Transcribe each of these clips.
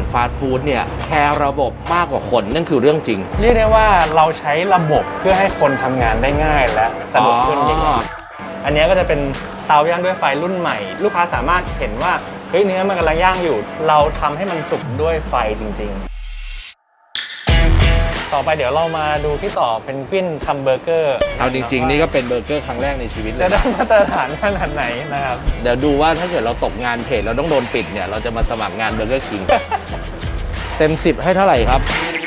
ฟาสต์ฟู้ดเนี่ยแคร์ระบบมากกว่าคนนั่นคือเรื่องจริงเรียกได้ว่าเราใช้ระบบเพื่อให้คนทำงานได้ง่ายและสะดวกขึ้นอย่างนี้อันนี้ก็จะเป็นเตาย่างด้วยไฟรุ่นใหม่ ลูกค้าสามารถเห็นว่าเฮ้ยเนื้อมันกำลังย่างอยู่เราทำให้มันสุกด้วยไฟจริงๆต่อไปเดี๋ยวเรามาดูที่ต่อเป็นกวินทำเบอร์เกอร์เอาจริงๆนี่ก็เป็นเบอร์เกอร์ครั้งแรกในชีวิตเลยจะได้มาตรฐานขนาดไหนนะครับเดี๋ยวดูว่าถ้าเกิดเราตกงานเพจเราต้องโดนปิดเนี่ยเราจะมาสมัครงานเบอร์เกอร์คิง เต็ม10ให้เท่าไหร่ครับ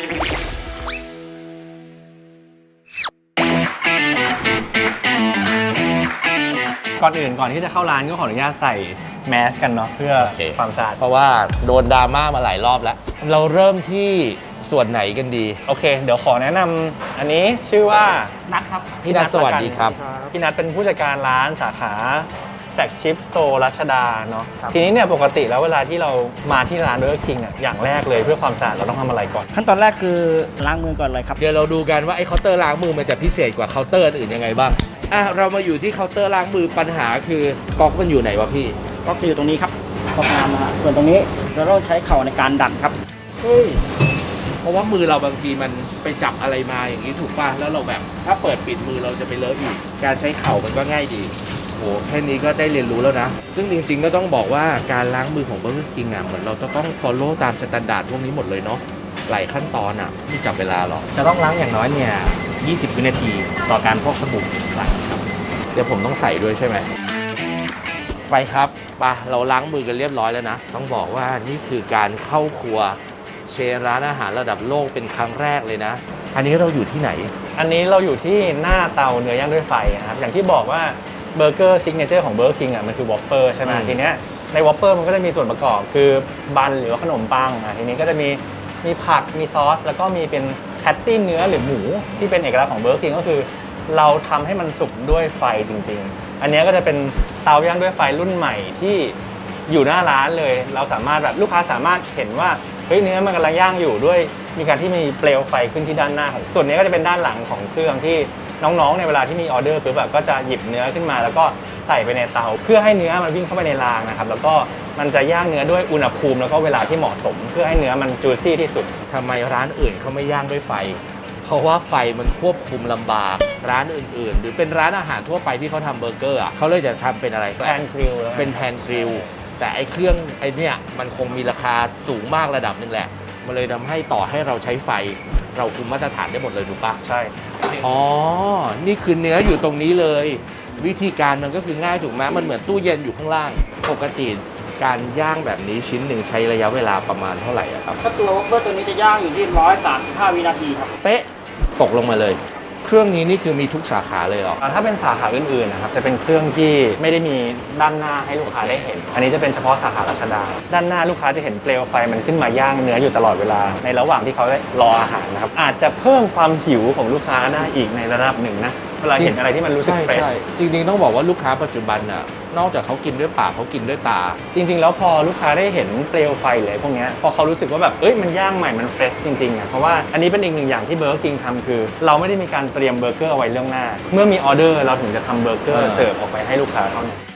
ก่อนที่จะเข้าร้านก็ขออนุญาตใส่แมสกันเนาะเพื่อความสะอาดเพราะว่าโดนดราม่ามาหลายรอบแล้วเราเริ่มที่ส่วนไหนกันดีโอเคเดี๋ยวขอแนะนำอันนี้ชื่อว่านัทครับพี่นัทสวัสดีครับพี่นัทเป็นผู้จัดการร้านสาขาแฟลกชิพสโตร์รัชดาเนาะทีนี้เนี่ยปกติแล้วเวลาที่เรามาที่ร้านเบอร์เกอร์คิงอ่ะอย่างแรกเลยเพื่อความสะอาดเราต้องทำอะไรก่อนขั้นตอนแรกคือล้างมือก่อนเลยครับเดี๋ยวเราดูกันว่าไอ้เคาน์เตอร์ล้างมือมันจะพิเศษกว่าเคาน์เตอร์อื่นยังไงบ้างเรามาอยู่ที่เคาน์เตอร์ล้างมือปัญหาคือก๊อกมันอยู่ไหนวะพี่ก๊อกอยู่ตรงนี้ครับก๊อกน้ำนะฮะส่วนตรงนี้เราต้องใช้เข่าในการดันครับเฮ้ยเพราะว่ามือเราบางทีมันไปจับอะไรมาอย่างนี้ถูกป่ะแล้วเราแบบถ้าเปิดปิดมือเราจะไปเลอะอีกการใช้เข่ามันก็ง่ายดีโหแค่นี้ก็ได้เรียนรู้แล้วนะซึ่งจริงๆก็ต้องบอกว่าการล้างมือของ Burger King เหมือนเราจะต้อง follow ตามสแตนดาร์ดพวกนี้หมดเลยเนาะหลายขั้นตอนไม่จับเวลาหรอกจะต้องล้างอย่างน้อยเนี่ย20 วินาทีต่อการพกสบู่ล้างครับเดี๋ยวผมต้องใส่ด้วยใช่ไหมไปครับเราล้างมือกันเรียบร้อยแล้วนะต้องบอกว่านี่คือการเข้าครัวเชนร้านอาหารระดับโลกเป็นครั้งแรกเลยนะอันนี้เราอยู่ที่ไหนอันนี้เราอยู่ที่หน้าเตาเนื้อย่างด้วยไฟนะครับอย่างที่บอกว่าเบอร์เกอร์ซิกเนเจอร์ของเบอร์เกอร์คิงมันคือวอปเปอร์ใช่ไหมทีเนี้ยในวอปเปอร์มันก็จะมีส่วนประกอบคือบันหรือว่าขนมปังทีนี้ก็จะมีผักมีซอสแล้วก็มีเป็นแพตตี้เนื้อหรือหมูที่เป็นเอกลักษณ์ของเบอร์เกอร์คิงก็คือเราทำให้มันสุกด้วยไฟจริงๆอันนี้ก็จะเป็นเตาย่างด้วยไฟรุ่นใหม่ที่อยู่หน้าร้านเลยเราสามารถแบบลูกค้าสามารถเห็นว่าเฮ้ยเนื้อมันกำลังย่างอยู่ด้วยมีการที่มีเปลวไฟขึ้นที่ด้านหน้าของส่วนนี้ก็จะเป็นด้านหลังของเครื่องที่น้องๆในเวลาที่มีออเดอร์ปุ๊บก็จะหยิบเนื้อขึ้นมาแล้วก็ใส่ไปในเตาเพื่อให้เนื้อมันวิ่งเข้าไปในรางนะครับแล้วก็มันจะย่างเนื้อด้วยอุณหภูมิแล้วก็เวลาที่เหมาะสมเพื่อให้เนื้อมันจูซี่ที่สุดทำไมร้านอื่นเขาไม่ย่างด้วยไฟเพราะว่าไฟมันควบคุมลำบากร้านอื่นๆหรือเป็นร้านอาหารทั่วไปที่เขาทำเบอร์เกอร์เขาเลยจะทำเป็นอะไรแพนกริลเป็นแพนกริลแต่ไอ้เครื่องไอ้นี่มันคงมีราคาสูงมากระดับนึงแหละมันเลยทำให้ต่อให้เราใช้ไฟเราคุมมาตรฐานได้หมดเลยถูกปะใช่อ๋อนี่คือเนื้ออยู่ตรงนี้เลยวิธีการมันก็คือง่ายถูกไหมมันเหมือนตู้เย็นอยู่ข้างล่างปกติการย่างแบบนี้ชิ้นหนึ่งใช้ระยะเวลาประมาณเท่าไหร่ครับถ้าตัววอฟเฟิลตัวนี้จะย่างอยู่ที่135 วินาทีครับเป๊ะตกลงมาเลยเครื่องนี้นี่คือมีทุกสาขาเลยเหรอถ้าเป็นสาขาอื่นๆนะครับจะเป็นเครื่องที่ไม่ได้มีด้านหน้าให้ลูกค้าได้เห็นอันนี้จะเป็นเฉพาะสาขารัชดาด้านหน้าลูกค้าจะเห็นเปลวไฟมันขึ้นมาย่างเนื้ออยู่ตลอดเวลาในระหว่างที่เขาได้รออาหารนะครับอาจจะเพิ่มความหิวของลูกค้าได้อีกในระดับหนึ่งนะเวลาเห็นอะไรที่มันรู้สึกเฟรชจริงๆต้องบอกว่าลูกค้าปัจจุบันนอกจากเขากินด้วยปากเขากินด้วยตาจริงๆแล้วพอลูกค้าได้เห็นเปลวไฟเลยพวกนี้พอเขารู้สึกว่าแบบมันย่างใหม่มันเฟรชจริงๆเพราะว่าอันนี้เป็นอีกหนึ่งอย่างที่เบอร์เกอร์คิงทำคือเราไม่ได้มีการเตรียมเบอร์เกอร์เอาไว้เรื่องหน้าเมื่อมีออเดอร์เราถึงจะทำเบอร์เกอร์เสิร์ฟออกไปให้ลูกค้าเท่านั้น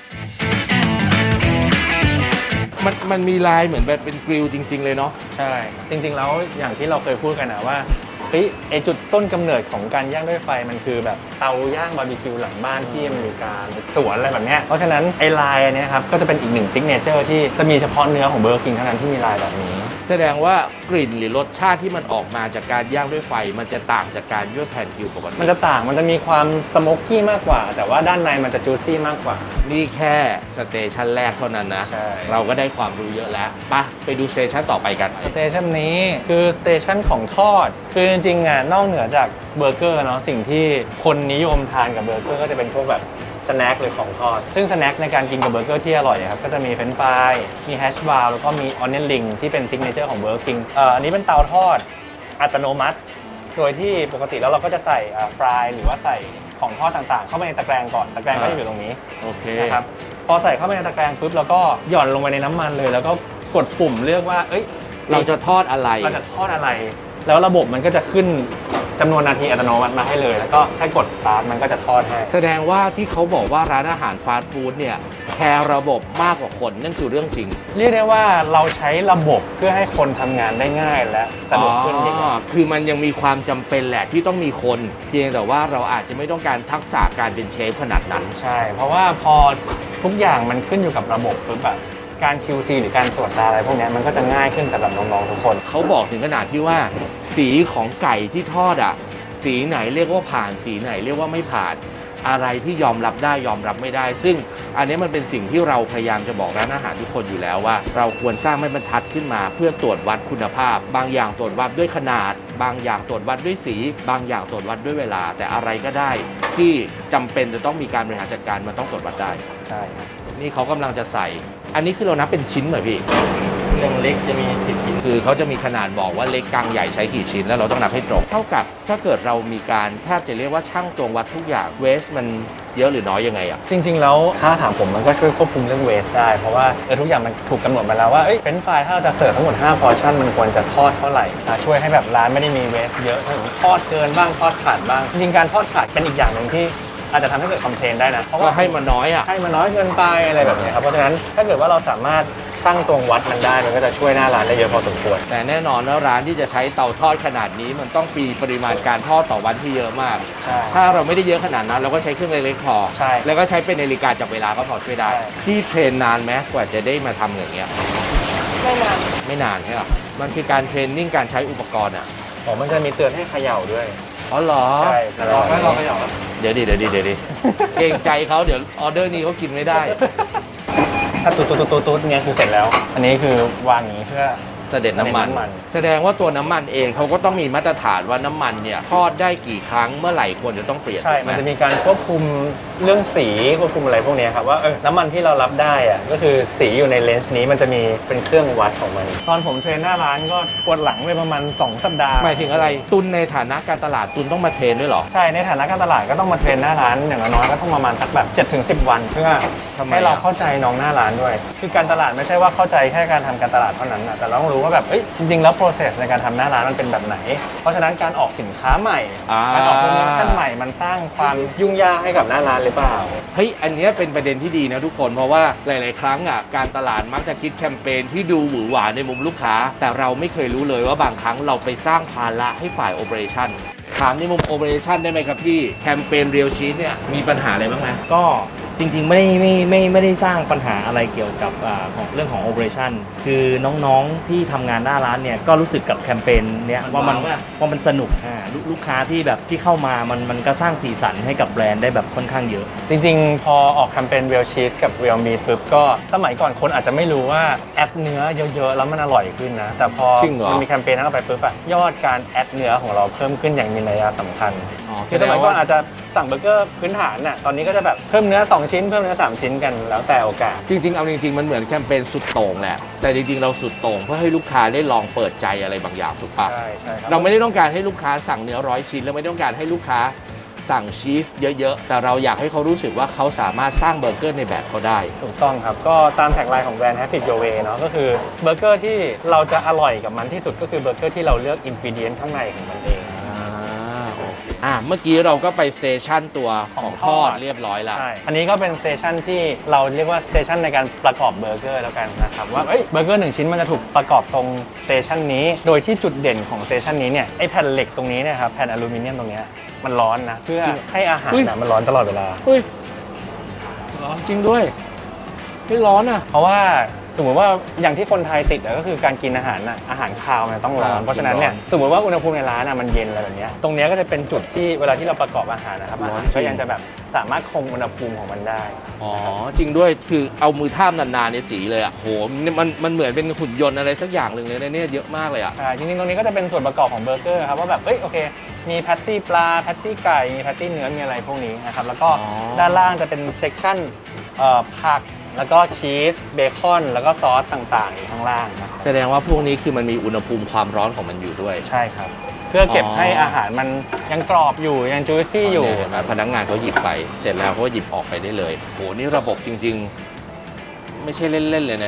มันมีลายเหมือนแบบเป็นกริลจริงๆเลยเนาะใช่จริงๆแล้วอย่างที่เราเคยพูดกันนะว่าไอจุดต้นกำเนิดของการย่างด้วยไฟมันคือแบบเตาย่างบาร์บีคิวหลังบ้านที่อเมริกาสวนอะไรแบบนี้เพราะฉะนั้นไอลายอันนี้ครับก็จะเป็นอีกหนึ่งซิกเนเจอร์ที่จะมีเฉพาะเนื้อของเบอร์เกอร์คิงเท่านั้นที่มีลายแบบนี้แสดงว่ากลิ่นหรือรสชาติที่มันออกมาจากการย่างด้วยไฟมันจะต่างจากการย่างแผ่นกริลปกติมันจะต่างมันจะมีความสโมกกี้มากกว่าแต่ว่าด้านในมันจะจูซี่มากกว่านี่แค่สเตชันแรกเท่านั้นนะเราก็ได้ความรู้เยอะแล้วไปดูสเตชันต่อไปกันสเตชันนี้คือสเตชันของทอดคือจริงๆนอกเหนือจากเบอร์เกอร์เนาะสิ่งที่คนนิยมทานกับเบอร์เกอร์ก็จะเป็นพวกแบบสแน็คหรือของทอดซึ่งสแน็คในการกินกับเบอร์เกอร์ที่อร่อยครับก็จะมีเฟรนช์ฟรายมีแฮชบราวน์แล้วก็มีออนเนลลิงที่เป็นซิกเนเจอร์ของเบอร์เกอร์คิงอันนี้เป็นเตาทอดอัตโนมัติโดยที่ปกติแล้วเราก็จะใส่ฟรายหรือว่าใส่ของทอดต่างๆเข้าไปในตะแกรงก่อนตะแกรงก็จะอยู่ตรงนี้โอเคนะครับพอใส่เข้าไปในตะแกรงปุ๊บแล้วก็หย่อนลงไปในน้ำมันเลยแล้วก็กดปุ่มเลือกว่าเราจะทอดอะไรแล้วระบบมันก็จะขึ้นจำนวนนาทีอัตโนมัติมาให้เลย แล้วก็แค่กดสตาร์ทมันก็จะทอดให้แสดงว่าที่เขาบอกว่าร้านอาหารฟาสต์ฟู้ดเนี่ยแคร์ระบบมากกว่าคนนั่นคือเรื่องจริงเรียกได้ว่าเราใช้ระบบเพื่อให้คนทำงานได้ง่ายและสะดวกขึ้นดีกว่าคือมันยังมีความจำเป็นแหละที่ต้องมีคน เพียงแต่ว่าเราอาจจะไม่ต้องการทักษะการเป็นเชฟขนาดนั้นใช่ เพราะว่าพอทุกอย่างมันขึ้นอยู่กับระบบปุ๊บอะการ QC หรือการตรวจตาอะไรพวกเนี้ยมันก็จะง่ายขึ้นสำหรับน้องๆทุกคนเขาบอกถึงขนาดที่ว่า สีของไก่ที่ทอดอ่ะ สีไหนเรียกว่าผ่าน สีไหนเรียกว่าไม่ผ่าน อะไรที่ยอมรับได้ยอมรับไม่ได้ ซึ่งอันนี้มันเป็นสิ่งที่เราพยายามจะบอกร้านอาหารทุกคนอยู่แล้วว่า เราควรสร้างไม้บรรทัดขึ้นมา เพื่อตรวจวัดคุณภาพ บางอย่างตรวจวัดด้วยขนาด บางอย่างตรวจวัดด้วยสี บางอย่างตรวจวัดด้วยเวลา แต่อะไรก็ได้ ที่จำเป็นจะต้องมีการบริหารจัดการมันต้องตรวจวัดได้ใช่ครับนี่เขากำลังจะใส่ อันนี้คือเรานับเป็นชิ้นเหรอพี่อย่างเล็กจะมี10 ชิ้นคือเขาจะมีขนาดบอกว่าเล็กกลางใหญ่ใช้กี่ชิ้นแล้วเราต้องนับให้ตรง เท่ากับถ้าเกิดเรามีการแทบจะเรียกว่าช่างตวงวัดทุกอย่างเวสมันเยอะหรือน้อยยังไงอ่ะจริงๆแล้วถ้าถามผมมันก็ช่วยควบคุมเรื่องเวสได้ เพราะว่าทุกอย่างมันถูกกำหนดมาแล้วว่าเฟรนช์ฟรายถ้าเราจะเสิร์ฟทั้งหมด5พอร์ชั่นมันควรจะทอดเท่าไหร่ช่วยให้แบบร้านไม่ได้มีเวสเยอะถ้าสมมติทอดเกินบ้างทอดขาดบ้างจริงๆการทอดขาดเป็นอีกอย่างหนึ่งที่อาจจะทำให้เกิดคอมเพลนได้นะเพราะก็ว่าให้มันน้อยอ่ะให้มันน้อยเกินไปอะไรแบบนี้ครับเพราะฉะนั้นถ้าเกิดว่าเราสามารถชั่งตวงวัดมันได้มันก็จะช่วยหน้าร้านได้เยอะพอสมควรแต่แน่นอนแล้วร้านที่จะใช้เตาทอดขนาดนี้มันต้องมีปริมาณการทอดต่อวันที่เยอะมากใช่ถ้าเราไม่ได้เยอะขนาดนั้นเราก็ใช้เครื่องเล็กๆพอใช่แล้วก็ใช้เป็นนาฬิกาจับเวลาก็พอช่วยได้ใช่ที่เทรนนานไหมกว่าจะได้มาทำอย่างเงี้ยไม่นานไม่นานใช่ไหมมันคือการเทรนนิ่งการใช้อุปกรณ์อ่ะผมมันจะมีเตือนให้เขย่าด้วยอ๋อเหรอใช่ลองไหมลองเขย่าเดี๋ยวดิเกรงใจเขาเดี๋ยวออเดอร์นี้เขากินไม่ได้ถ้าตุ๊ดเนี่ยคือเสร็จแล้ว อันนี้คือวางอย่างนี้เพื่อเสด็จน้ำมันเสด็จน้ำมันแสดงว่าตัวน้ำมันเองเขาก็ต้องมีมาตรฐานว่าน้ำมันเนี่ยทอดได้กี่ครั้งเมื่อไหร่ควรจะต้องเปลี่ยนใช่ถูกไหมันจะมีการควบคุมเรื่องสีควบคุมอะไรพวกเนี้ยครับว่าน้ำมันที่เรารับได้อะก็คือสีอยู่ในเลนส์นี้มันจะมีเป็นเครื่องวัดของมัน ตอนผมเทรนหน้าร้านก็ปวดหลังไปประมาณ2 สัปดาห์หมายถึงอะไรตุนในฐานะการตลาดตุนต้องมาเทรนด้วยเหรอใช่ในฐานะการตลาดก็ต้องมาเทรนหน้าร้านอย่างน้อยๆก็ต้องประมาณสักแบบ7-10 วันเพื่อทำไมให้เราอ่ะเข้าใจน้องหน้าร้านด้วย คือการตลาดไม่ใช่ว่าเข้าใจแค่การทำการตลาดเท่านั้นนะแต่เราต้องรู้ว่าแบบจริงๆแล้ว process ในการทำหน้าร้านมันเป็นแบบไหน เพราะฉะนั้นการออกสินค้าใหม่การออกโปรโมชั่นใหม่มันสร้างความยุ่งยากให้กับหน้าร้านหรือเปล่าเฮ้ยอันเนี้ยเป็นประเด็นที่ดีนะทุกคนเพราะว่าหลาย ๆ ครั้งอ่ะการตลาดมักจะคิดแคมเปญที่ดูหวือหวาในมุมลูกค้า แต่เราไม่เคยรู้เลยว่าบางครั้งเราไปสร้างภาระให้ฝ่ายโอเปอเรชั่นถามในมุมโอเปอเรชั่นได้ไหมครับพี่แคมเปญเรียลชีสเนี่ยมีปัญหาอะไรบ้างไหมก็จริงๆไม่ได้สร้างปัญหาอะไรเกี่ยวกับของเรื่องของ operation คือน้องๆที่ทำงานหน้าร้านเนี่ยก็รู้สึกกับแคมเปญเนี้ยมันว่ามันว้าวอะว่ามันสนุกลูกค้าที่แบบที่เข้ามามันก็สร้างสีสันให้กับแบรนด์ได้แบบค่อนข้างเยอะจริงๆ พอออกแคมเปญ Real Cheese กับ Real Meat ปุ๊บก็สมัยก่อนคนอาจจะไม่รู้ว่าแอดเนื้อเยอะๆ แล้วมันอร่อยขึ้นนะ แต่พอจริงเหรอมันมีแคมเปญนั้นออกไปปุ๊บอะยอดการแอดเนื้อของเราเพิ่มขึ้นอย่างมีนัยสำคัญ คือสมัยก่อนอาจจะสั่งเบอร์เกอร์พื้นฐานน่ะตอนนี้ก็จะแบบเพิ่มเนื้อ2ชิ้นเพิ่มเนื้อ3ชิ้นกันแล้วแต่โอกาสจริง ๆ เอาจริง ๆ มันเหมือนแคมเปญสุดโต่งแหละแต่จริง ๆ เราสุดโต่งเพื่อให้ลูกค้าได้ลองเปิดใจอะไรบางอย่างถูกปะใช่ใช่ครับเราไม่ได้ต้องการให้ลูกค้าสั่งเนื้อ100 ชิ้นแล้วไม่ได้ต้องการให้ลูกค้าสั่งชีสเยอะๆแต่เราอยากให้เขารู้สึกว่าเขาสามารถสร้างเบอร์เกอร์ในแบบเขาได้ถูกต้องครับ ก็ตามแท็กไลน์ของแบรนด์ Have It Your Way เนาะก็คือเบอร์เกอร์ที่เราจะอร่อยกับมันที่สุดก็คือเบอร์เกอร์ที่เราเลือกอินกิเดียนข้างในของมันเองเมื่อกี้เราก็ไปสเตชันตัวของทอดเรียบร้อยแล้วใช่ อันนี้ก็เป็นสเตชันที่เราเรียกว่าสเตชันในการประกอบเบอร์เกอร์แล้วกันนะครับว่าเบอร์เกอร์1ชิ้นมันจะถูกประกอบตรงสเตชันนี้โดยที่จุดเด่นของสเตชันนี้เนี่ยไอแผ่นเหล็กตรงนี้เนี่ยครับแผ่นอลูมิเนียมตรงเนี้ยมันร้อนนะเพื่อจริงให้อาหารอุ๊ยน่ะมันร้อนตลอดเวลาเฮ้ยร้อนจริงด้วยไม่ร้อนอ่ะเพราะว่าสมมติว่าอย่างที่คนไทยติดอะก็คือการกินอาหารน่ะอาหารคาวมันต้องร้อนเพราะฉะนั้นเนี่ยสมมติว่าอุณหภูมิในร้านน่ะมันเย็นอะไรแบบเนี้ยตรงเนี้ยก็จะเป็นจุดที่เวลาที่เราประกอบอาหารนะครับอาหารก็ยังจะแบบสามารถคงอุณหภูมิของมันได้อ๋อจริงด้วยคือเอามือทาบนานๆเนี่ยจีเลยอ่ะโหมันเหมือนเป็นหุ่นยนต์อะไรสักอย่างหนึ่งเลยนะเนี่ยเยอะมากเลยอ่ะใช่จริงๆตรงนี้ก็จะเป็นส่วนประกอบของเบอร์เกอร์ครับว่าแบบโอเคมีแพตตี้ปลาแพตตี้ไก่มีแพตตี้เนื้อมีอะไรพวกนี้นะครับแล้วก็อ๋อด้านล่างจะเป็นเซกชันผักแล้วก็ชีสเบคอนแล้วก็ซอสต่างๆอยู่ข้างล่างนะครับแสดงว่าพวกนี้คือมันมีอุณหภูมิความร้อนของมันอยู่ด้วยใช่ครับเพื่อเก็บให้อาหารมันยังกรอบอยู่ยังจูซี่อยู่เนี่ยเห็นไหมพนักงานเขาหยิบไป เสร็จแล้วเขาก็หยิบออกไปได้เลยโหนี่ระบบจริง ๆ ไม่ใช่เล่น ๆ เลยนะเนี่ย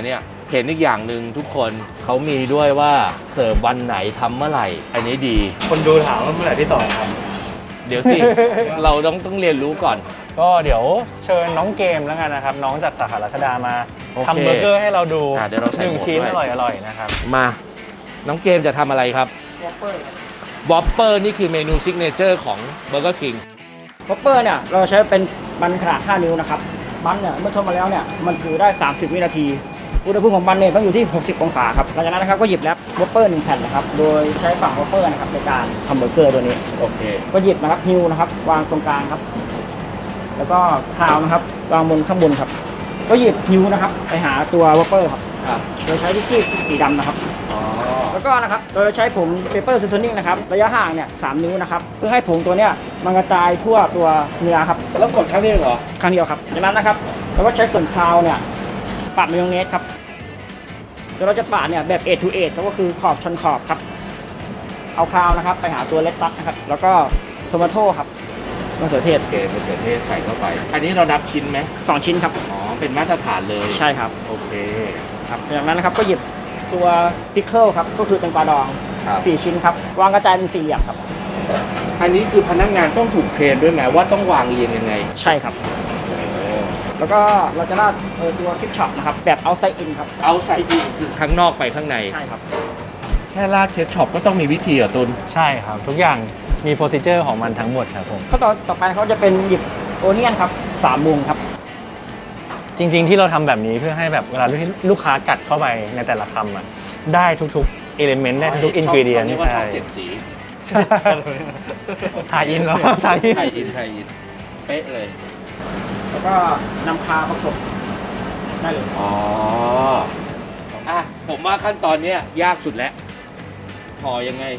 เห็นอีกอย่างหนึ่งทุกคนเขามีด้วยว่าเสิร์ฟวันไหนทำเมื่อไหร่ อันนี้ดีคนดูถามว่าเมื่อไหร่พี่ต่อครับเดี๋ยวสิ เราต้องเรียนรู้ก่อนก็เดี๋ยวเชิญน้องเกมแล้วกันนะครับ น้องจากสาขารัชดามาโอเคทำเบอร์เกอร์ให้เราดูเดี๋ยวเราใส่หนึ่งหมวกชิ้นด้วยอร่อยๆนะครับมาน้องเกมจะทำอะไรครับวอปเปอร์วอปเปอร์นี่คือเมนูซิกเนเจอร์ของ Burger King วอปเปอร์เนี่ยเราใช้เป็นบันขนาด 5 นิ้วนะครับบันเนี่ยเมื่อทอดมาแล้วเนี่ยมันถือได้ 30 วินาทีอุณหภูมิของบันเนี่ยต้องอยู่ที่ 60 องศาครับหลังจากนั้นนะครับก็หยิบแรปวอปเปอร์1แผ่นนะครับโดยใช้ฝั่งวอปเปอร์นะครับในการทำเบอร์เกอร์ตัวนี้โอเคก็หยิบนะครับฮิวนะครับวางตรงกลางครับ แล้วก็คราวนะครับวางบนข้างบนครับ ก็หยิบฮิวนะครับไปหาตัววอปเปอร์ครับครับโดยใช้วิกกี้สีดำนะครับอ๋อแล้วก็นะครับโดยใช้ผงเปเปอร์ซีซอนิ่งนะครับระยะห่างเนี่ย3 นิ้วนะครับเพื่อให้ผงตัวเนี้ยมันกระจายทั่วตัวเนื้อครับแล้วกดครั้งนี้เหรอครั้งเดียวครับจากนั้นนะครับเราก็ใช้ส่วนคราวเนี่ยปาดมายองเนสครับเดี๋ยวเราจะปาดเนี่ยแบบ A to A ก็คือขอบชนขอบครับเอาคราวนะครับไปหาตัวเลตตัสนะครับแล้วก็โทมาโต้ครับมะเขือเทศโอเคมะเขือเทศใส่เข้าไป อันนี้เรานับชิ้นไหม 2 ชิ้นครับอ๋อ เป็นมาตรฐานเลยใช่ครับโอเคครับจากนั้นนะครับก็หยิบตัวพิคเกิลครับก็คือแตงกวาดองครับ 4 ชิ้นครับวางกระจายเป็นสี่เหลี่ยมครับอันนี้คือพนักงานต้องถูกเทรนด้วยไหมว่าต้องวางเรียงยังไงใช่ครับ แล้วก็เราจะราดตัวทิปช็อปนะครับแบบเอาไซอินครับเอาใส่อินคือข้างนอกไปข้างในใช่ครับแค่ราดเคช็อปก็ต้องมีวิธีเหรอตุนใช่ครับ ทุกอย่างมีโปรซิเจอร์ของมันทั้งหมดครับผมขั้นตอนต่อไปเขาจะเป็นหยิบโอเนียนครับ3 มุมครับจริงๆที่เราทำแบบนี้เพื่อให้แบบเวลาที่ลูกค้ากัดเข้าไปในแต่ละคำอ่ะได้ทุกๆเอลิเมนต์ได้ทุกๆอินกิเดียนนี่ว่าใช่ชอบเจ็ดสีใช่ถ่ายอินเหรอถ่ายอินไทยอินไทยอิน เป๊ะเลยแล้วก็นำคาประกบได้เลยอ๋อ อ่ะ ผมว่าขั้นตอนเนี้ยยากสุดแล้วห่อยังไง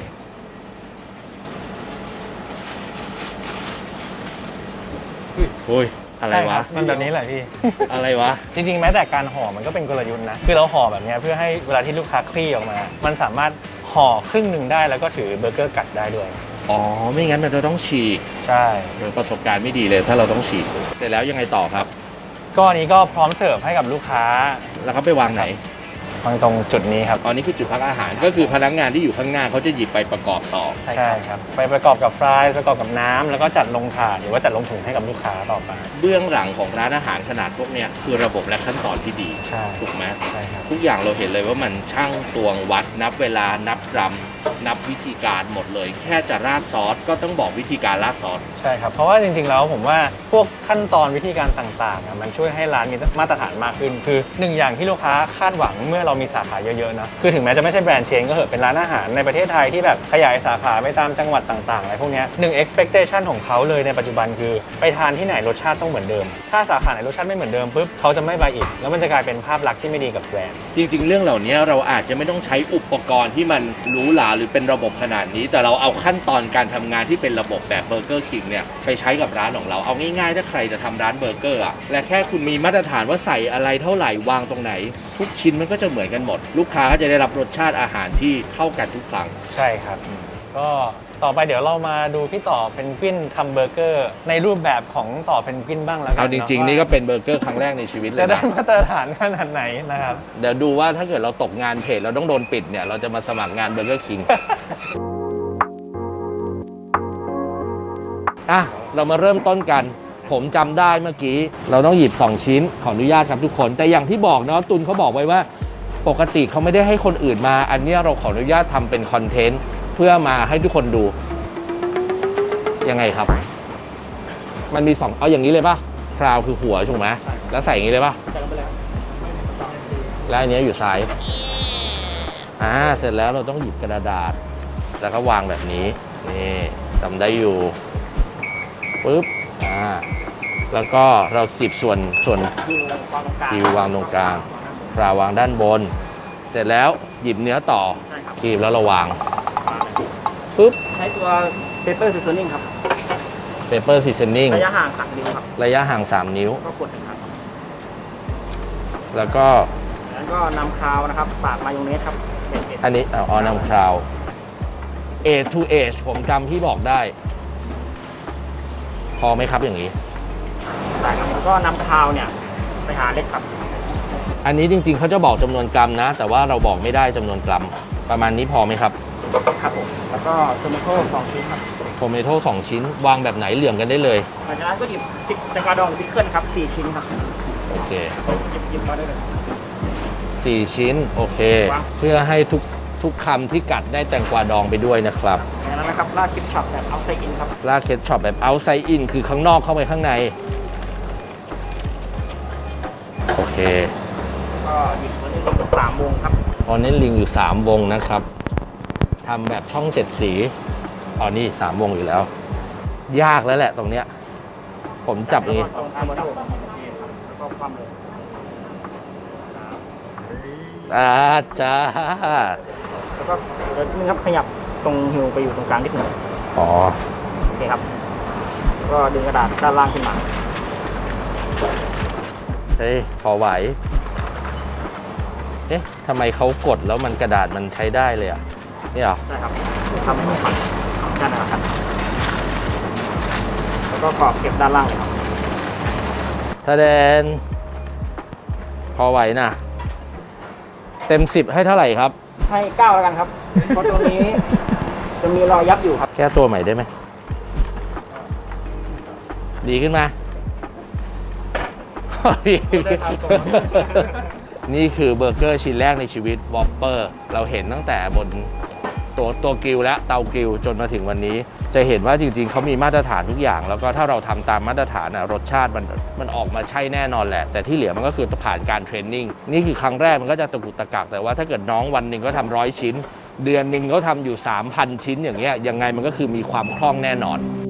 โอ้ย อะไรใช่วะคบมันแบบนี้แหละพี่อะไรวะจริงๆ แม้แต่การห่อมันก็เป็นกลยุทธ์นะ คือเราห่อแบบเนี้ยเพื่อให้เวลาที่ลูกค้าคลี่ออกมา มันสามารถห่อครึ่งหนึ่งได้แล้วก็ถือเบอร์เกอร์กัดได้ด้วยอ๋อ ไม่งั้นมันจะต้องฉีกใช่โดยประสบการณ์ไม่ดีเลยถ้าเราต้องฉีก เสร็จแล้วยังไงต่อครับก็อันนี้ก็พร้อมเสิร์ฟให้กับลูกค้าแล้วเขาไปวางไหนวางตรงจุดนี้ครับตอนนี้คือจุดพักอาหาร ก็คือพนักงานที่อยู่ข้างหน้าเขาจะหยิบไปประกอบต่อใช่ครับ ไปประกอบกับฟรายประกอบกับน้ำแล้วก็จัดลงถาดหรือว่าจัดลงถุงให้กับลูกค้าต่อไปเบื้องหลังของร้านอาหารขนาดพวกเนี้ยคือระบบและขั้นตอนที่ดีใช่ถูกไหมใช่ครับทุกอย่างเราเห็นเลยว่ามันช่างตวงวัดนับเวลานับกรัมนับวิธีการหมดเลย แค่จะราดซอสก็ต้องบอกวิธีการราดซอสใช่ครับ เพราะว่าจริงๆ แล้วผมว่าพวกขั้นตอนวิธีการต่างๆมันช่วยให้ร้านมีมาตรฐานมากขึ้น คือหนึ่งอย่างที่ลูกค้าคาดหวังเมื่อเรามีสาขาเยอะๆนะคือถึงแม้จะไม่ใช่แบรนด์เชนก็เถอะเป็นร้านอาหารในประเทศไทยที่แบบขยายสาขาไปตามจังหวัดต่างๆอะไรพวกเนี้ยหนึ่ง expectation ของเขาเลยในปัจจุบันคือไปทานที่ไหนรสชาติต้องเหมือนเดิม ถ้าสาขาไหนรสชาติไม่เหมือนเดิมปุ๊บเขาจะไม่ไปอีกแล้วมันจะกลายเป็นภาพลักษณ์ที่ไม่ดีกับแบรนด์จริงๆ เรื่องเหล่านี้เราอาจจะไม่ต้องใช้อุปกรณ์ที่มันหรูหราหรือเป็นระบบขนาดนี้ แต่เราเอาขั้นตอนการทำงานที่เป็นระบบแบบเบอร์เกอร์คิงเนี่ยไปใช้กับร้านของเราเอาง่ายๆถ้าใครจะทำร้านเบอร์เกอร์อะและแค่คุณมีมาตรฐานว่าใส่อะไรเท่าไหร่วางตรงไหน ทุกชิ้นมันก็จะเหมือนกันหมด ลูกค้าก็จะได้รับรสชาติอาหารที่เท่ากันทุกครั้งใช่ครับ ก็ต่อไปเดี๋ยวเรามาดูพี่ต่อเพนกวินทำเบอร์เกอร์ในรูปแบบของต่อเพนกวินบ้างแล้วกันเอาจริงๆว่านี่ก็เป็นเบอร์เกอร์ครั้งแรกในชีวิตเลยจะได้นะมาตรฐานขนาดไหนนะครับเดี๋ยวดูว่าถ้าเกิดเราตกงานเพจเราต้องโดนปิดเนี่ยเราจะมาสมัครงานเบอร์เกอร์คิง อ่ะ เรามาเริ่มต้นกัน ผมจำได้เมื่อกี้ เราต้องหยิบ 2 ชิ้น ขออนุญาตครับทุกคน แต่อย่างที่บอกเนาะตุนเขาบอกไว้ว่า ปกติเขาไม่ได้ให้คนอื่นมา อันเนี้ยเราขออนุญาตทำเป็นคอนเทนต์เพื่อมาให้ทุกคนดู ยังไงครับ มันมี 2 เอาอย่างนี้เลยป่ะคราวคือหัวถูกไหมแล้วใส่อย่างนี้เลยป่ะใส่ลงไปแล้วแล้วอันเนี้ยอยู่ซ้าย เสร็จแล้วเราต้องหยิบกระดาษ แล้วก็วางแบบนี้ นี่จำได้อยู่ ปึ๊บ แล้วก็เราสิบส่วนฮิวแล้ววางตรงกลางคิววางตรงกลางปลาวางด้านบน เสร็จแล้วหยิบเนื้อต่อใช่ครับคีบแล้วเราวาง ปึ๊บใช้ตัวเปเปอร์ซีซอนิ่งครับเปเปอร์ซีซันนิ่งระยะห่าง3 นิ้วครับระยะห่าง 3 นิ้วก็กด1 ครั้งครับแล้วก็แล้วก็นำคราวนะครับปาดมายองเนสครับเด็ดอันนี้นำคราว A to H ผมจำที่บอกได้ พอไหมครับอย่างนี้ๆใส่ครับแล้วก็นำคราวเนี่ยไปหาเล็กครับอันนี้จริงๆเขาจะบอกจำนวนกรัมนะ แต่ว่าเราบอกไม่ได้จำนวนกรัมประมาณนี้พอไหมครับครับผมแล้วก็โทมัโต้2ชิ้นครับโทเมโต้2ชิ้นวางแบบไหนเหลื่อมกันได้เลยหลังจากนั้นก็หยิบพริกแตงกวาดองหรือพิกเกิลครับ4ชิ้นครับโอเคหยิบมาได้เลย 4 ชิ้นโอเควางเพื่อให้ทุกคำที่กัดได้แตงกวาดองไปด้วยนะครับจากนั้นนะครับราดคิปช็อปแบบเอาไซอินครับลากเคทช็อปแบบ outside in คือข้างนอกเข้าไปข้างในโอเคก็หยิบมาได้เลย3 วงครับออนเนลลิงอยู่3 วงนะครับทำแบบช่อง 7 สีอ๋อนี่3 วงอยู่แล้ว ยากแล้วแหละตรงเนี้ยผมจับอย่างนี้แล้วก็ตรงโทมัโต้ครับแล้วก็ความเลยจ้าแล้วก็เดี๋ยวนึงครับขยับตรงฮิวไปอยู่ตรงกลางนิดหนึ่งอ๋อโอเคครับแล้วก็ดึงกระดาษด้านล่างขึ้นมาเฮ้ยพอไหวเอ๊ะทำไมเขากดแล้วมันกระดาษมันใช้ได้เลยอ่ะนี่เหรอได้ครับทำให้มันฝันด้านนะครับแล้วก็กรอบเก็บด้านล่างเลยครับถ้าแดนพอไหวนะเต็ม 10 ให้เท่าไหร่ครับให้9แล้วกันครับ เพราะตรงนี้จะมีรอยยับอยู่ครับแก้ตัวใหม่ได้ไหม ดีขึ้นมา นี่คือเบอร์เกอร์ชิ้นแรกในชีวิตวอปเปอร์เราเห็นตั้งแต่บนตัวกริลและเตากริลจนมาถึงวันนี้ จะเห็นว่าจริงๆเขามีมาตรฐานทุกอย่าง แล้วก็ถ้าเราทำตามมาตรฐานรสชาติมันออกมาใช่แน่นอนแหละ แต่ที่เหลือมันก็คือผ่านการเทรนนิ่งนี่คือครั้งแรกมันก็จะตะกุกตะกักแต่ว่าถ้าเกิดน้องวันหนึ่งก็ทำ100 ชิ้น เดือนหนึ่งเขาทำอยู่ 3,000 ชิ้นอย่างเงี้ยยังไงมันก็คือมีความคล่องแน่นอน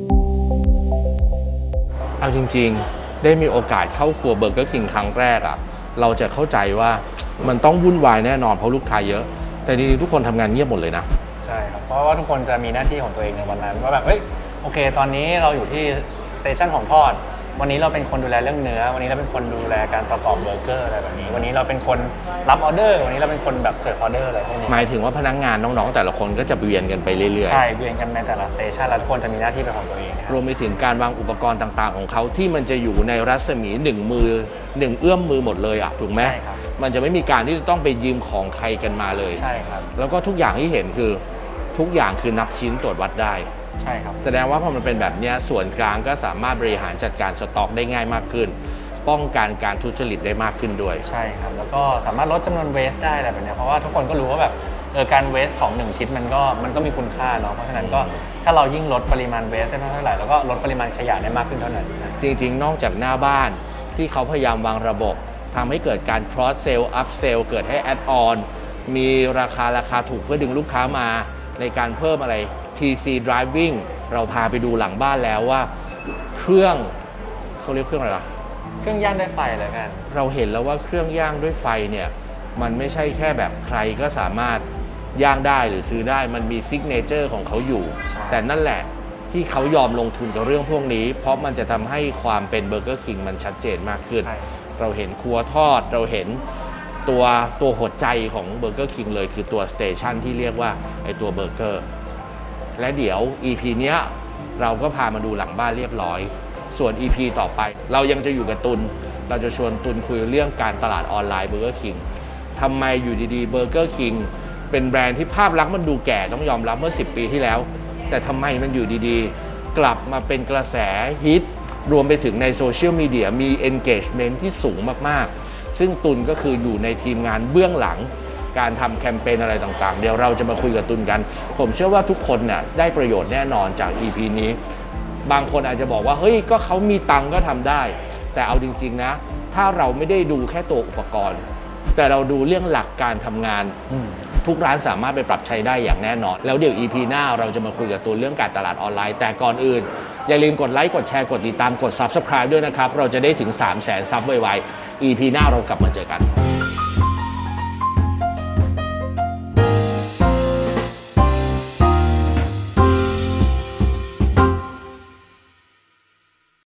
เอาจริงๆ ได้มีโอกาสเข้าครัวเบอร์เกอร์คิงครั้งแรกอ่ะเราจะเข้าใจว่ามันต้องวุ่นวายแน่นอนเพราะลูกค้าเยอะ แต่จริงๆทุกคนทำงานเงียบหมดเลยนะใช่ครับ เพราะว่าทุกคนจะมีหน้าที่ของตัวเองในวันนั้นว่าแบบเอ้ยโอเค ตอนนี้เราอยู่ที่สเตชันของทอด วันนี้เราเป็นคนดูแลเรื่องเนื้อ วันนี้เราเป็นคนดูแลการประกอบเบอร์เกอร์อะไรแบบนี้ วันนี้เราเป็นคนรับออเดอร์ วันนี้เราเป็นคนแบบเสิร์ฟออเดอร์อะไรพวกนี้หมายถึงว่าพนักงานน้องๆ แต่ละคนก็จะเวียนกันไปเรื่อยใช่เวียนกันในแต่ละสเตชันแล้วทุกคนจะมีหน้าที่เป็นของตัวเองๆ รวมไปถึงการวางอุปกรณ์ต่างๆ ของเขาที่มันจะอยู่ในรัศมี1 มือ 1 เอื้อมมือหมดเลยอ่ะถูกไหมใช่ครับมันจะไม่มีการที่จะต้องไปยืมของใครกันมาเลยใช่ครับแล้วก็ทุกอย่างที่เห็นคือทุกอย่างคือนับชิ้นตรวจวัดได้ใช่ครับแสดงว่าพอมันเป็นแบบเนี้ยส่วนกลางก็สามารถบริหารจัดการสต็อกได้ง่ายมากขึ้น ป้องกันการทุจริตได้มากขึ้นด้วยใช่ครับ แล้วก็สามารถลดจำนวนเวสได้อะไรแบบเนี้ยเพราะว่าทุกคนก็รู้ว่าแบบการเวสของ1ชิ้นมันก็มีคุณค่าเนาะ เพราะฉะนั้นก็ถ้าเรายิ่งลดปริมาณเวสได้มากเท่าไหร่แล้วก็ลดปริมาณขยะได้มากขึ้นเท่านั้นนะจริงๆ นอกจากหน้าบ้านที่เขาพยายามวางระบบทำให้เกิดการ cross sell up sell เกิดให้ add on มีราคาถูกเพื่อดึงลูกค้ามาในการเพิ่มอะไร TC driving เราพาไปดูหลังบ้านแล้วว่าเครื่องเขาเรียกเครื่องอะไรล่ะเครื่องย่างด้วยไฟเลยกันเราเห็นแล้วว่าเครื่องย่างด้วยไฟเนี่ยมันไม่ใช่แค่แบบใครก็สามารถย่างได้หรือซื้อได้มันมีซิกเนเจอร์ของเขาอยู่ใช่แต่นั่นแหละที่เขายอมลงทุนกับเรื่องพวกนี้ เพราะมันจะทำให้ความเป็นเบอร์เกอร์คิงมันชัดเจนมากขึ้นใช่เราเห็นครัวทอดเราเห็นตัวหัวใจของเบอร์เกอร์คิงเลยคือตัวสเตชันที่เรียกว่าไอตัวเบอร์เกอร์และเดี๋ยว EP เนี้ยเราก็พามาดูหลังบ้านเรียบร้อย ส่วน EP ต่อไปเรายังจะอยู่กับตุลเราจะชวนตุลคุยเรื่องการตลาดออนไลน์เบอร์เกอร์คิงทำไมอยู่ดีๆเบอร์เกอร์คิงเป็นแบรนด์ที่ภาพลักษณ์มันดูแก่ต้องยอมรับเมื่อ10 ปีที่แล้ว แต่ทำไมมันอยู่ดีๆกลับมาเป็นกระแสฮิตรวมไปถึงในโซเชียลมีเดียมี engagement ที่สูงมากๆซึ่งตุลก็คืออยู่ในทีมงานเบื้องหลังการทำแคมเปญอะไรต่างๆเดี๋ยวเราจะมาคุยกับตุลกันผมเชื่อว่าทุกคนน่ะได้ประโยชน์แน่นอนจาก EP นี้บางคนอาจจะบอกว่าเฮ้ยก็เขามีตังค์ก็ทำได้ แต่เอาจริงๆนะถ้าเราไม่ได้ดูแค่ตัวอุปกรณ์แต่เราดูเรื่องหลักการทำงานทุกร้านสามารถไปปรับใช้ได้อย่างแน่นอนแล้วเดี๋ยว EP หน้าเราจะมาคุยกับตัวเรื่องการตลาดออนไลน์แต่ก่อนอื่นอย่าลืมกดไลค์กดแชร์กดติดตามกด Subscribe ด้วยนะครับเราจะได้ถึง 300,000 ซับไวๆ EP หน้าเรากลับมาเจอกัน